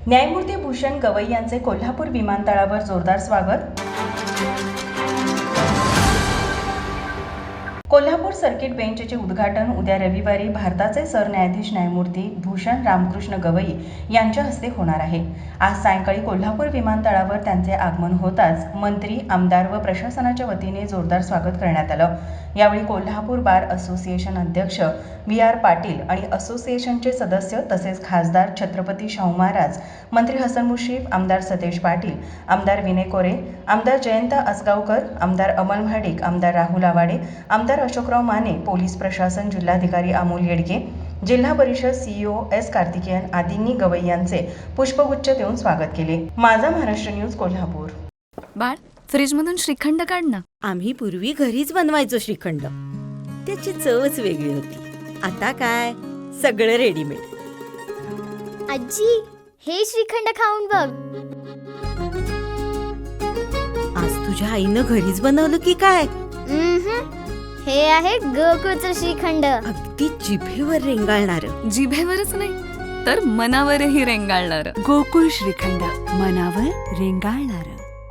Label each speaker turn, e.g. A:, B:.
A: न्यायमूर्ती भूषण गवई यांचे कोल्हापूर विमानतळावर जोरदार स्वागत. कोल्हापूर सर्किट बेंचचे उद्घाटन उद्या रविवारी भारताचे सरन्यायाधीश न्यायमूर्ती भूषण रामकृष्ण गवई यांच्या हस्ते होणार आहे. आज सायंकाळी कोल्हापूर विमानतळावर त्यांचे आगमन होताच मंत्री, आमदार व प्रशासनाच्या वतीने जोरदार स्वागत करण्यात आलं. यावेळी कोल्हापूर बार असोसिएशन अध्यक्ष VR पाटील आणि असोसिएशनचे सदस्य तसेच खासदार छत्रपती शाहू महाराज, मंत्री हसन मुश्रीफ, आमदार सतेज पाटील, आमदार विनय कोरे, आमदार जयंत आसगावकर, आमदार अमल महाडिक, आमदार राहुल आवाडे, आमदार अशोकराव माने, पोलीस प्रशासन, जिल्हाधिकारी अमोल येडगे, जिल्हा परिषद CEO S कार्तिकेयन आदींनी गवई यांचे पुष्पगुच्छ देऊन स्वागत केले. माझा महाराष्ट्र न्यूज कोल्हापूर.
B: बाळ, फ्रीजमधून श्रीखंड काढ ना.
C: आम्ही पूर्वी घरीच बनवायचो श्रीखंड. त्याची चवच वेगळी होती. आता काय सगळं रेडीमेड.
D: आजी, हे श्रीखंड खाऊन बघ.
C: आज तुझ्या आईनं घरीच बनवलं की काय?
D: हे आहे गोकुळचं श्रीखंड.
C: अगदी जिभेवर रेंगाळणार.
B: जिभेवरच नाही तर मनावरही रेंगाळणार.
E: गोकुळ श्रीखंड, मनावर रेंगाळणार.